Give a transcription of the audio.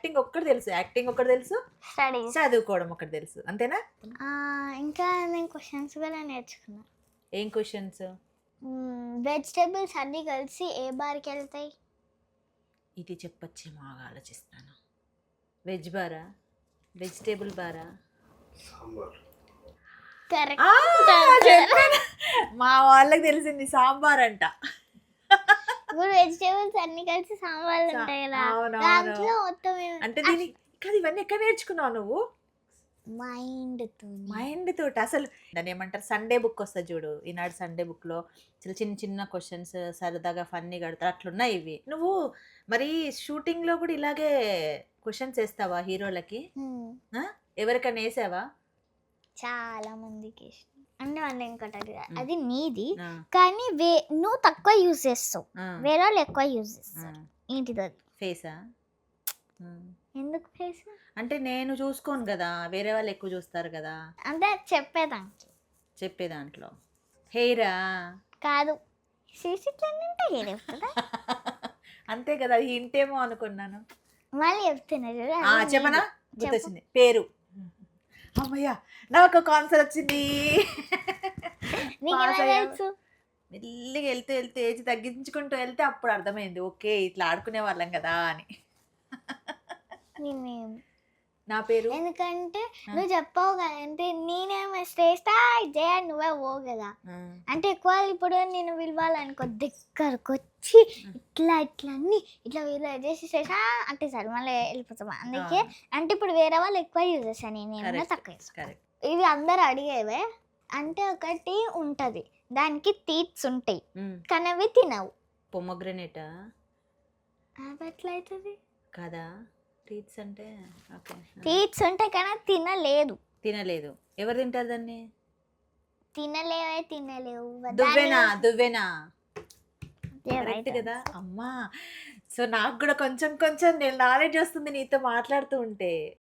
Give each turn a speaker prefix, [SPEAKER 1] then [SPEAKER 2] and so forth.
[SPEAKER 1] Acting ఒక్కటి తెలుసు, acting ఒకటి తెలుసు,
[SPEAKER 2] స్టడీస్.
[SPEAKER 1] చదువుకోవడం ఒకటి తెలుసు, అంతేనా?
[SPEAKER 2] ఇంకా నేను క్వశ్చన్స్ కూడా నేర్చుకున్నా.
[SPEAKER 1] ఏం క్వశ్చన్స్?
[SPEAKER 2] వెజిటేబుల్స్ అన్నీ కలిసి ఏ బార్కి వెళ్తాయి?
[SPEAKER 1] ఇది చెప్పొచ్చేమో, ఆలోచిస్తాను. వెజ్ బారా, వెజిటేబుల్ బారా?
[SPEAKER 2] కరెక్ట్.
[SPEAKER 1] చెప్పాను, మా వాళ్ళకి తెలిసింది సాంబార్ అంట.
[SPEAKER 2] ఇప్పుడు వెజిటేబుల్స్ అన్ని కలిసి సాంబార్లు ఉంటాయి కదా, దాంట్లో మొత్తం
[SPEAKER 1] అంటే దీని కాదు, ఇవన్నీ ఎక్కడ నేర్చుకున్నావు నువ్వు? మైండ్ తోటి. అసలు దాన్ని ఏమంటారు, సండే బుక్ వస్తుంది చూడు, ఈనాడు సండే బుక్ లో చిన్న చిన్న క్వశ్చన్స్ సరదాగా ఫన్నీ కడతారు, అట్లున్నాయి ఇవి. నువ్వు మరి షూటింగ్ లో కూడా ఇలాగే క్వశ్చన్స్ వేస్తావా హీరోలకి? ఎవరికైనా వేసావా?
[SPEAKER 2] చాలా మందికి అంటే వాళ్ళు ఇంకోటి, అది నీది కానీ నువ్వు తక్కువ యూజ్ చేస్తావు, వేరే వాళ్ళు ఎక్కువ యూజ్ చేస్తారు. ఏంటిది అది?
[SPEAKER 1] ఫేసా?
[SPEAKER 2] ఎందుకు ఫేస్?
[SPEAKER 1] అంటే నేను చూసుకోను కదా, వేరే వాళ్ళు ఎక్కువ చూస్తారు కదా.
[SPEAKER 2] అంటే చెప్పే దాంట్లో
[SPEAKER 1] హెయిరా?
[SPEAKER 2] కాదు, హెయిర్ చెప్తుందా?
[SPEAKER 1] అంతే కదా, అది ఇంటేమో అనుకున్నాను.
[SPEAKER 2] మళ్ళీ చెప్తున్నా
[SPEAKER 1] చెప్పనా, గుర్తొచ్చింది, పేరు. అమ్మయ్యా, నాకు ఒక ఆన్సర్ వచ్చింది. మెల్లిగా వెళ్తూ వెళ్తూ ఏజ్ తగ్గించుకుంటూ వెళ్తే అప్పుడు అర్థమైంది, ఓకే ఇట్లా ఆడుకునే వాళ్ళం కదా అని. నా పేరు
[SPEAKER 2] ఎందుకంటే నువ్వు చెప్పావు కదా, అంటే నేనేమో శ్రేష్ట జయ నువ్వే పో కదా, అంటే ఎక్కువ ఇప్పుడు నేను పిలవాలనుకో దగ్గరకు వచ్చి ఇట్లా ఇట్లా అన్ని ఇట్లా వీళ్ళు చేసి శ్రేష అంటే సరే మళ్ళీ వెళ్ళిపోతాం. అందుకే అంటే ఇప్పుడు వేరే వాళ్ళు ఎక్కువ యూజ్ చేస్తాను, నేనేమో తక్కువ. ఇవి అందరు అడిగేవే. అంటే ఒకటి ఉంటది, దానికి టీత్స్ ఉంటాయి కానీ అవి తినవు.
[SPEAKER 1] పొమగ్రనేటా?
[SPEAKER 2] అవి ఎట్లా అవుతుంది
[SPEAKER 1] కదా, టీత్స్ అంటే ఓకే,
[SPEAKER 2] టీత్స్ ఉంటాయి కానీ
[SPEAKER 1] తినలేదు. ఎవరు తింటారు దాన్ని?
[SPEAKER 2] తినలేవు.
[SPEAKER 1] దువ్వెనా కరెక్ట్ కదా అమ్మా. సో నాకు కూడా కొంచెం కొంచెం నేను నాలెడ్జ్ వస్తుంది నీతో మాట్లాడుతూ ఉంటే.